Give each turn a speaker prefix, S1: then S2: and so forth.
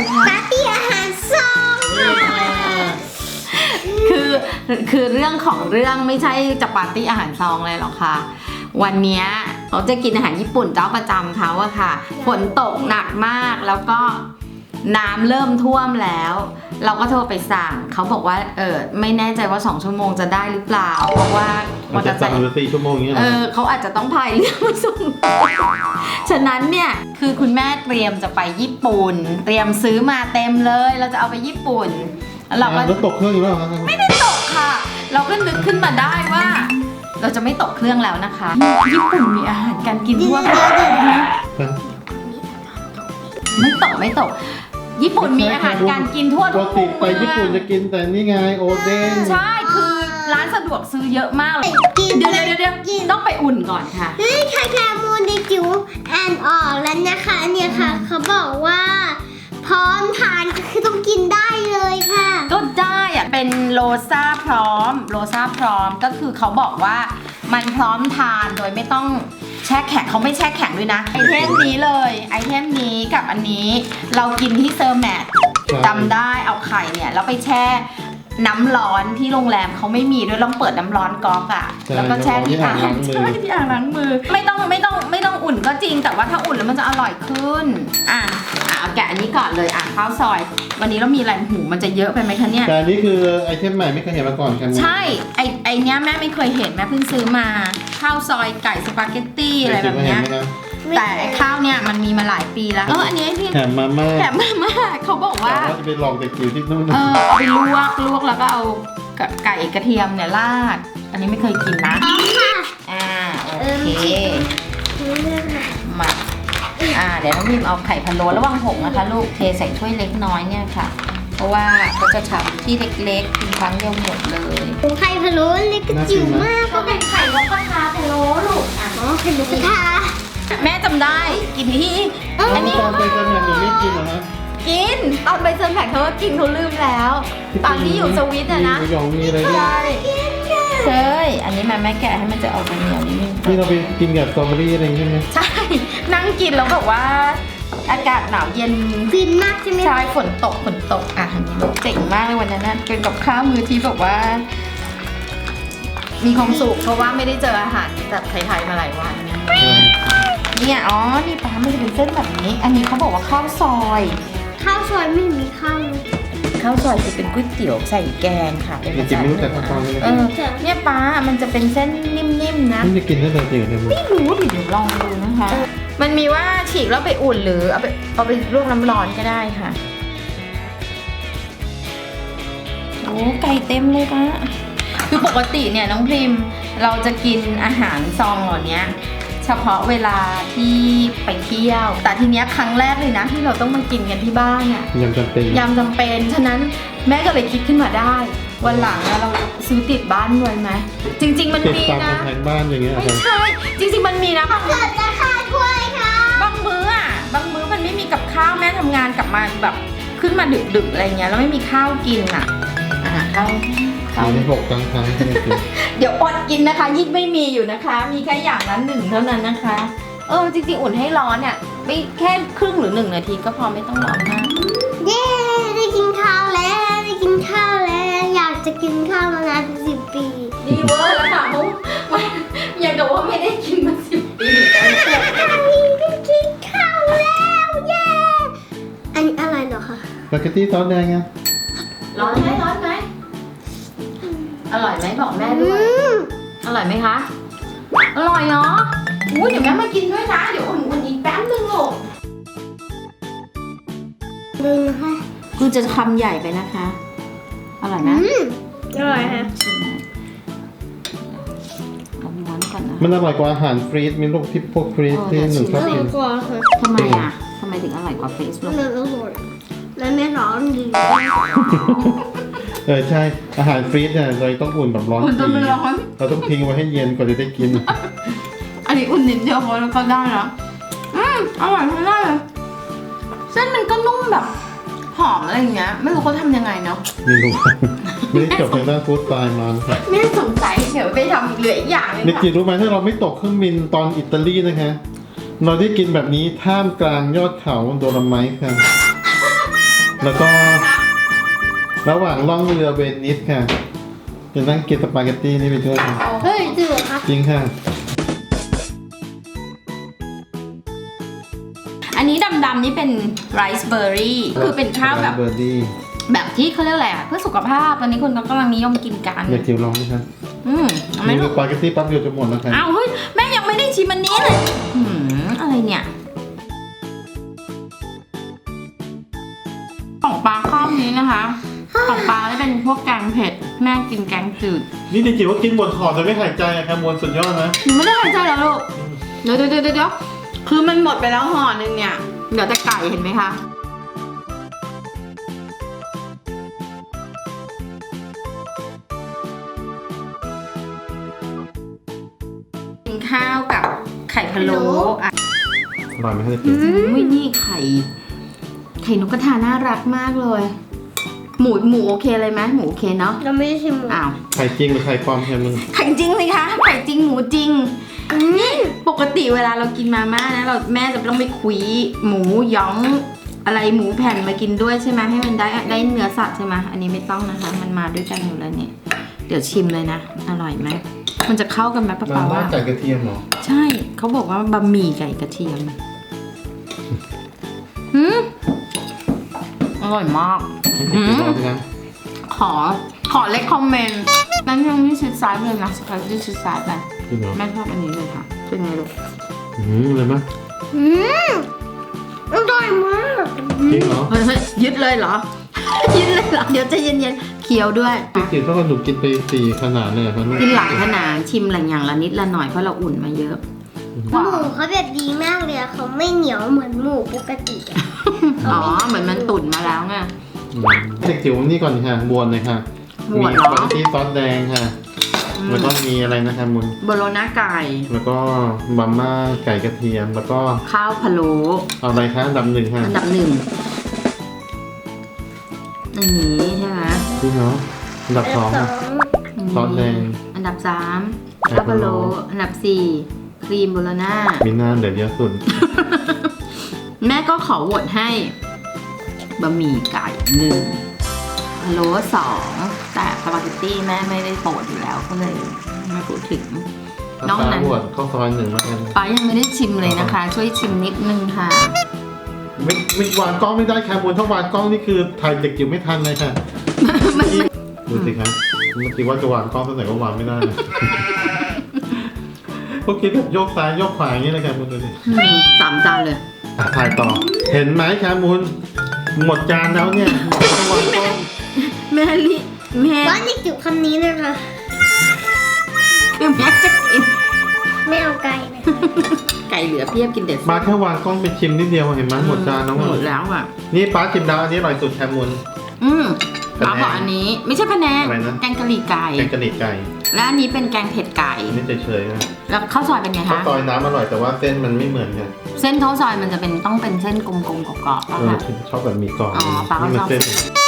S1: คะ
S2: ปาร์ตี้อาหารซองค่ะ
S1: คือเรื่องของเรื่องไม่ใช่จะปาร์ตี้อาหารซองเลยหรอกค่ะ วันเนี้ยเราจะกินอาหารญี่ปุ่นเจ้าประจำเขาอะค่ะฝนตกหนักมากแล้วก็น้ำเริ่มท่วมแล้ว เราก็โทรไปสั่งเขาบอกว่าไม่แน่ใจว่า2 ชั่วโมงจะได้หรือเปล่าเพราะว่า
S3: มันจะสั่งหรือ4 ชั่วโมงอย่างเงี้ย
S1: เขาอาจจะต้องพายเรือมาส่ง ฉะนั้นเนี่ยคือคุณแม่เตรียมจะไปญี่ปุ่น เตรียมซื้อมาเต็มเลยเราจะเอาไปญี่ปุ่นแล้วเราก็
S3: แล้วตกเครื่องอยู่แล้วครับ
S1: ไม่ได้ตกค่ะ เราก็นึกขึ้นมาได้ว่า เราจะไม่ตกเครื่องแล้วนะคะ ญี่ปุ่นมีอาหารการกินทั่วไปไม่ตก ญี่ปุ่นมีอาหารการกินทั่ว
S3: ป
S1: ทุ
S3: ก
S1: ก
S3: ติ
S1: มุม
S3: ไปญี่ปุ่นจะกินแต่นี่ไงโอเด้ง
S1: ใช่คือร้านสะดวกซื้อเยอะมากเลย
S2: กิน
S1: เดี๋ยวต้องไปอุ่นก่อนค่ะ
S2: เฮ้ยค่ะแคมูนดิจิวอ่านออกแล้วนะคะเนี่ยค่ะเขาบอกว่าพร้อมทานก็คือต้องกินได้เลยค่ะ
S1: ก็ได้อะเป็นโลซ่าพร้อมก็คือเขาบอกว่ามันพร้อมทานโดยไม่ต้องแช่แข็งเขาไม่แช่แข็งด้วยนะไอเทมนี้เลยไอเทมนี้กับอันนี้เรากินที่เซอร์แมทจำได้เอาไข่เนี่ยแล้วไปแช่น้ำร้อนที่โรงแรมเขาไม่มีด้วยต้องเปิดน้ำร้อนก๊อกอ่ะแล้วก็แช่ที่อ่างล้างมือไม่ต้องอุ่นก็จริงแต่ว่าถ้าอุ่นแล้วมันจะอร่อยขึ้นเอาแกะอันนี้ก่อนเลยข้าวซอยวันนี้เรามีอะไรหูมันจะเยอะไปไหมคะเนี่ย
S3: แต่อันนี้คือไอเทมใหม่ไม่เคยเห็นมาก่อนกัน
S1: ใช่ไอเนี้ยแม่ไม่เคยเห็นแม่เพิ่งซื้อมาข้าวซอยไก่สปาเกตตี้อะไรแบบเนี้ยแต่ไอข้าวเนี่ยมันมีมาหลายปีแล้วอันนี้พี่
S3: แถมมาม่า
S1: แถมมาม่าเขาบอกว่า
S3: ว่าจะไปลองเด็กจิ๋วที่นู่น
S1: เอาไปลวกแล้วก็เอาไก่กระเทียมเนี่ยราดอันนี้ไม่เคยกินนะ
S2: พร้อมค่ะ
S1: โอเคมาเดี๋ยวน้องพิมเอาไข่พะโล้ระวังหกนะคะลูกเทใส่ถ้วยเล็กน้อยเนี่ยค่ะ เพราะว่าเขาจะทำที่เล็กๆกินครั้งเดียวหมดเลย
S2: ไข่พะโล้เล็กกระจิ๋วมาก
S1: ก็เป็นไข่นกกระทาพะโล้ลูก
S2: ไข่นกกระทา
S1: แม่จำได้กินที่อันนี้
S3: ตอนไปกันเนี่ยหนูไม่กินเหรอฮะ
S1: กินตอนไปเซิร์นแพคเขาก็กินเขาลืมแล้ว ตอนที่อยู่สวิตอะนะ
S3: มีหยองมีอะไรด้วย
S1: ใช่ใช่อันนี้แม่แกะให้มันจะออกเหนียวนิดนึง
S3: ที่เราไปกินกับสตรอเบอรี่อะไรใช่ไหม
S1: ใช่นั่งกินแล้วแบบว่า อากาศหนาวเย็น
S2: ฟินมากใช่ไหม
S1: ใช่ฝนตกอันนี้ลูกเจ๋งมากเลยวันนั้นนะเป็นกับข้าวมื้อที่แบบว่า มีความสุขเพราะว่าไม่ได้เจออาหารแบบไทยๆมาหลายวันเนี่ยนี่ปลามันจะเป็นเส้นแบบนี้ อันนี้เขาบอกว่าข้าวซอย
S2: ข้าวซอยไม่มีข้าวเลย
S1: ข้าวซอยคือเป็นก๋วยเตี๋ยวใส่แกงค่ะเป็น
S3: จริงๆไม่รู้จักข้าวซอยเลย
S1: เนี่ยปลามันจะเป็นเส้นนิ่มๆนะ
S3: ไม่ได้กินตั้งแต่เด็กเลย
S1: ไม่รู้เดี๋ยวลองดูนะคะ มันมีว่าฉีกแล้วไปอุ่นหรือเอาไปลวกน้ำร้อนก็ได้ค่ะโอ้ไก่เต็มเลยปะคือปกติเนี่ยน้องพริมเราจะกินอาหารซองเหล่านี้เฉพาะเวลาที่ไปเที่ยว แต่ทีเนี้ยครั้งแรกเลยนะที่เราต้องมากินกันที่บ้านอ่ะ
S3: ยำจำเป็น
S1: ยำจำเป็นฉะนั้นแม่ก็เลยคิดขึ้นมาได้ วันหลังเราซื้อติดบ้านด้วยไหมจริงๆมัน
S3: เก็บ
S1: มี
S3: ตาม
S1: นะ
S3: แผนบ้านอย่างเงี้ย
S1: ไม่ใช่จริงๆมันมีนะบาง
S2: เกิดราคาถ้วยค่ะ
S1: มื้อมันไม่มีกับข้าวแม่ทำงานกลับมาแบบขึ้นมาดึกๆอะไรเงี้ยแล้วไม่มีข้าวกินอ่ะข้าว
S3: มีใน6 ครั้งที่ไม่กิน
S1: เดี๋ยวอดกินนะคะยิ่งไม่มีอยู่นะคะ มีแค่อย่างละ1เท่านั้นนะคะจริงๆอุ่นให้ร้อนเนี่ยไม่แค่ครึ่งหรือ1 นาทีก็พอไม่ต้องร้อนมาก
S2: เย้ได้กินข้าวแล้วอยากจะกินข้าวมานานเป็น10 ปี
S1: ดีเวอร์แล้วค่ะอย่างกับว่าไม่ได้กินมา10 ปีแล้ว
S2: ได้กินข้าวแล้วเย้อันนี้อะไรเหรอคะ
S3: สปาเกตตี้ซอสแดงไง
S1: ร้อนไหมอร่อยไหมบอกแม่ด้วยอร่อยไหมคะอร่อยเนาะอุ้ยเดี๋ยวแม่มากินด้วยนะเดี๋ยวอุ่นอีกแป๊บนึงลูก
S2: ดูนะคะ
S1: คือจะคำใหญ่ไปนะคะ อร่อยนะ
S2: อร่อยค่ะ
S1: ลองม้วนก่อนนะ
S3: มันอร่อยกว่าอาหารฟรีซมีลูกที่พวกฟรีซที่หนูชอบกิน
S2: กว่าค่ะ
S1: ทำไมทำไมถึงอร่อยกว่าเฟซบุ๊ก
S2: มันอร่อยและไม่ร้อนดี
S3: ใช่อาหารฟรีซเนี่ยเราต้องอุ่นแบบร้อน
S1: อุ่นจนมันร้อน
S3: เราต้องทิ้งไว้ให้เย็นก่อนจะได้กิน
S1: อันนี้อุ่นนิดเดียวพอแล้วก็ได้แล้วอร่อยมากเลยเส้นมันก็นุ่มแบบหอมอะไรอย่างเงี้ยไม่รู้เขาทำยังไงเนาะ
S3: ไม่รู้ ไม่ได้จบทางด้านฟู้ดสไตล์มานะครับ
S1: ไม่ได้สงสัยเดี๋ยวไปทำเหลืออีกอย่างนึง
S3: นิกกี้รู้ไหมถ้าเราไม่ตกเครื่องบินตอนอิตาลีนะคะเราได้กินแบบนี้ท่ามกลางยอดเขาโดโลไมท์ค่ะแล้วก็ ระหว่างล่องเรือเวนิสค่ะจะนั่งกินสปาเกตตี้นี่ไปด้วยค่ะ
S2: เฮ้ยจริงเหรอคะ
S3: จริงค่ะ
S1: อันนี้ดำๆนี่เป็นไรซ์เบอร์รี่คือเป็นข้าวแบบ
S3: เบอร์ดี้
S1: แบบที่เขาเรียกอะไรอ่ะเพื่อสุขภาพตอนนี้คนก็กำลังนิยมกินกัน
S3: อยากจิ๋วลองไหมคะ
S1: เอาไหม่
S3: มี
S1: ลู
S3: ส
S1: ก
S3: ปาเกตตี้แปั๊บเดียวจะหมดแล้วค่ะ
S1: อ้าวเฮ้ยแม่ยังไม่ได้ชิมอันนี้เลยอะไรเนี่ยของปลาข้าวนี้นะคะ ของปลาจะเป็นพวกแกงเผ็ดแม่กินแกงจืด
S3: นี่จิ๋วว่ากินหมดห่อแต่ไม่หายใจอะค่ะมวลสุดยอดนะ
S1: หนูไม่ได้หายใจแล้วลูกเดี๋ยวคือมันหมดไปแล้วห่อนึงเนี่ยเดี๋ยวแต่ไก่เห็นไหมคะกินข้าวกับไข่พะโล้อ่ะ
S3: อร่อยไหมคะจิ๋ว
S1: อุ้ยนี่ไข่นกกระทาน่ารักมากเลย หมูโอเคเลยไหมหมูโอเคเนาะ
S2: เราไม่ได้ชิมหมู
S1: อ้าว
S3: ไข่จริงหรือไข่ปลอมแค่มึง
S1: ไข่จริงสิคะไข่จริงหมูจริงนี่ปกติเวลาเรากินมาม่านะแม่จะต้องไปคุยหมูหยองอะไรหมูแผ่นมากินด้วยใช่ไหมให้มันได้เนื้อสัตว์ใช่ไหมอันนี้ไม่ต้องนะคะ มันมาด้วยกันอยู่แล้วเนี่ยเดี๋ยวชิมเลยนะอร่อยไหมมันจะเข้ากันไหมป้า
S3: มา
S1: ปา
S3: ม่า
S1: ว่า
S3: ไก่กระเทียมเหรอ
S1: ใช่เขาบอกว่าบะหมี่ไก่กระเทียมอร่อยมาก
S3: ให้จิ๋วลองสิคะ
S1: ขอเลคคอมเมนต์นั้นยังไม่ชิดซ้ายเลยนะสกายที่ชิดซ้ายไป
S3: จริงเหรอ
S1: แม่ชอบอันนี้เลยค่ะเป็นไงลูก
S3: เลยไหม
S2: อร่อยมาก
S3: จริงเหรอ
S1: เฮ้ยยึดเลยเหรอ ยึดเลยเหรอเดี๋ยวใจะเย็นๆเคี้ยวด้วย
S3: พี่จิ๋วถ้าหนูกินไป4 ขนาดเลยเหรอคะลูก
S1: กินหลายขนาดชิมหลายอย่างละนิดละหน่อยเพราะเราอุ่นมาเยอะ
S2: หมูเขาแบบดีมากเลยอะเขาไม่เหนียวเหมือนหมูปกติอะ
S1: อ๋อเหมือนมันตุ๋นมาแล้วไง
S3: เด็กจิ๋วนี่ก่อนค่ะบวนเลยค่ะ
S1: บว
S3: มี
S1: นเหรอ
S3: สปาเกตตี้ซอสแดงค่ะ แล้วก็มีอะไรนะคะมุน
S1: โบโลน่าไก่
S3: แล้วก็มาม่าไก่กระเทียม แล้วก็
S1: ข้าวพะโล้
S3: เอาอะไรคะอันดับหนึ่งค่ะ
S1: อันดับหนึ่งอันนี้ใช่ไหม
S3: จริงเหรออันดับ 2ค่ะ ซอสแดง
S1: อันดับสาม
S3: ไข่
S1: ข้าว
S3: พะ
S1: พะ
S3: โล้
S1: โล้อันดับสี่ครีมโบโลน่า
S3: มีหน้าเดือดเยอะสุด
S1: แม่ก็ขอโหวตให้บะหมี่ไก่1พะโล้2แต่สปาเกตตี้แม่ไม่ได้โปรดอยู่แล้วก็เลยไม่พูดถึง น้องนั้น
S3: บวชข้าวซอย1แล้วกัน
S1: ป้ายังไม่ได้ชิมเลยนะคะ ช่วยชิมนิดนึงค่ะ
S3: ไม่วางกล้องไม่ได้ค่ะมุนถ้าวางกล้องนี่คือถ่ายเด็กจิ๋วไม่ทันเลยค่ะ ดูสิครับเมื่อกี้ว่าจะวางกล้องตั้งแต่ก็วางไม่ได้เลย พวกคิดแบบโยกซ้ายโยกขวาอย่างนี้เลยครับมุนดูดิ
S1: 3 จานเลย
S3: ถ่ายต่อ เห็นไหมครับมุนหมดจานแล้วเนี่ยต้องวางกล้อง
S1: แม่แม่
S2: ว่านี่จิ๋วคำนี้นะคะ
S1: คือแม่จะกิน
S2: ไม่เอาไก่เลย
S1: ไก่เหลือเพียบกินเด็ด
S3: มาแค่วางกล้องไปชิมนิดเดียวเห็นไหมหมดจานแล้ว
S1: หม
S3: อ่ะ
S1: ดแล้วอ่ะ
S3: นี่ป้าชิมดาวอันนี้อร่อยสุดแคมุน
S1: ป้าบอกอันนี้ไม่ใช่พะแนง
S3: อะไรนะ
S1: แกงกะหรี่ไก่
S3: แกงกะหรี่ไก่
S1: และอันนี้เป็นแกงเผ็ดไก่
S3: อันนี้เฉยๆนะ
S1: แล้วข้าวซอยเป็นไง
S3: ข้าว
S1: คะ
S3: ซอยน้ำอร่อยแต่ว่าเส้นมันไม่เหมือนกัน
S1: เส้นข้าวซอยมันจะเป็นต้องเป็นเส้นกลมๆกรอบๆป่ะ
S3: เออ
S1: คะ
S3: ชอบแบบมีกรอบ
S1: อ๋อป้าก็
S3: นี่มัน
S1: ชอบ
S3: เส้น